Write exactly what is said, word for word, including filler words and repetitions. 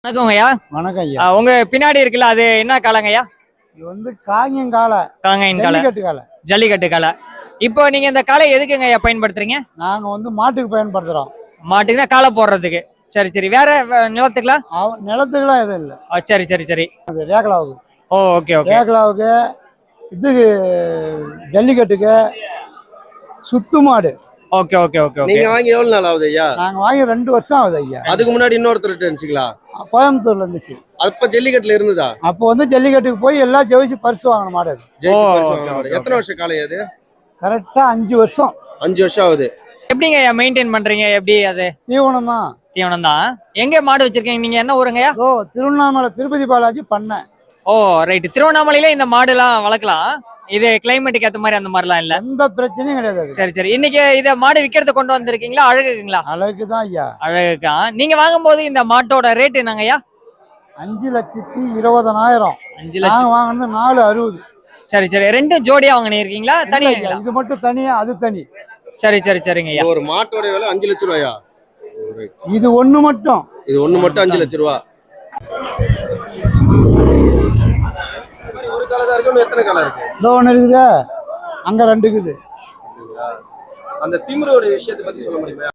வணக்கம் ஐயா. வணக்கம் ஐயா. ஆ, உங்க பின்னாடி இருக்குல்ல அது என்ன காலங்க ஐயா? இது வந்து காங்கங்கால காங்கையின் காலை, ஜல்லிக்கட்டு காலை. ஜல்லிக்கட்டு காலை. இப்போ நீங்க இந்த காலை எதுக்குங்க ஐயா பயன்படுத்துறீங்க? நாங்க வந்து மாட்டுக்கு பயன்படுத்துறோம். மாட்டுக்குன்னா காலை போடுறதுக்கு. சரி சரி. வேற வே- நிலத்துக்குலாம்? அவ- நிலத்துக்குலாம் எதுவும் இல்லை. ஆ, சரி சரி சரி. அது ரேகலாவுக்கு ஓ, ஓகே ஓகே. ரேகலாவுக்கு இதுக்கு ஜல்லிக்கட்டுக்கு சுத்து மாடு. Okay okay okay okay. நீங்க வாங்கி எவ்வளவு நாள் ஆகுது ஐயா? நாங்க வாங்கி ரெண்டு வருஷம் ஆகுது ஐயா. அதுக்கு முன்னாடி இன்னொருத்தர் இருந்துச்சுங்களா? கோயம்புத்தூர்ல இருந்துச்சு. அப்ப ஜல்லிக்கட்டுல இருந்ததா? அப்போ வந்து ஜல்லிக்கட்டுக்கு போய் எல்லாம் ஜெயிச்சு பரிசு வாங்கின மாடு அது. ஜெயிச்சு ஓ, பரிசு ஓகே, வாங்கின மாடு. ஓகே, எத்தனை வருஷம் காலை அது? கரெக்டா அஞ்சு வருஷம். அஞ்சு வருஷம் ஆகுது. எப்படிங்க ஐயா மெயின்டைன் பண்றீங்க? எப்படி அது? தீவனம் தான். தீவனம் தான். எங்க மாடு வச்சிருக்கீங்க? நீங்க என்ன ஊருங்க ஐயா? ஓ திருவண்ணாமலை திருப்பதி பாலாஜி பண்ணேன். Oh, right. திருவண்ணாமலையில இந்த மாடுலாம் வளர்க்கலாம். இது கிளைமேட்டுக்கு ஏத்த மாதிரி அந்த மாதிரிலாம் இல்ல. எந்த பிரச்சனையும் கிடையாது அது. சரி சரி. இன்னைக்கு இத மாடு விக்கிறதுக்கு கொண்டு வந்திருக்கீங்களா? அழகுங்களா? அழகு தான் ஐயா. அழகுக்கா. நீங்க வாங்கும்போது இந்த மாட்டோட ரேட் என்னங்க ஐயா? அஞ்சு லட்சத்தி இருபதனாயிரம். அஞ்சு லட்சம். நாங்க வாங்கினது நாலு அறுபது. சரி சரி. ரெண்டும் ஜோடியா வாங்கினீங்களா தனியா? இது மட்டும் தனியா, அது தனி. சரி சரி சரிங்க ஐயா. ஒரு மாட்டோட விலை அஞ்சு லட்சம் ரூபாயா? இது ஒண்ணு மட்டும். இது ஒண்ணு மட்டும் அஞ்சு லட்சம் ரூபா. ஒரு காலை தான் இருக்கு. இன்னும் எத்தனை காலை இருக்கு? இதோ ஒண்ணு இருக்குதா, அங்க ரெண்டு இருக்குது. அந்த திமிரோட விஷயத்தை பத்தி சொல்ல முடியுமா?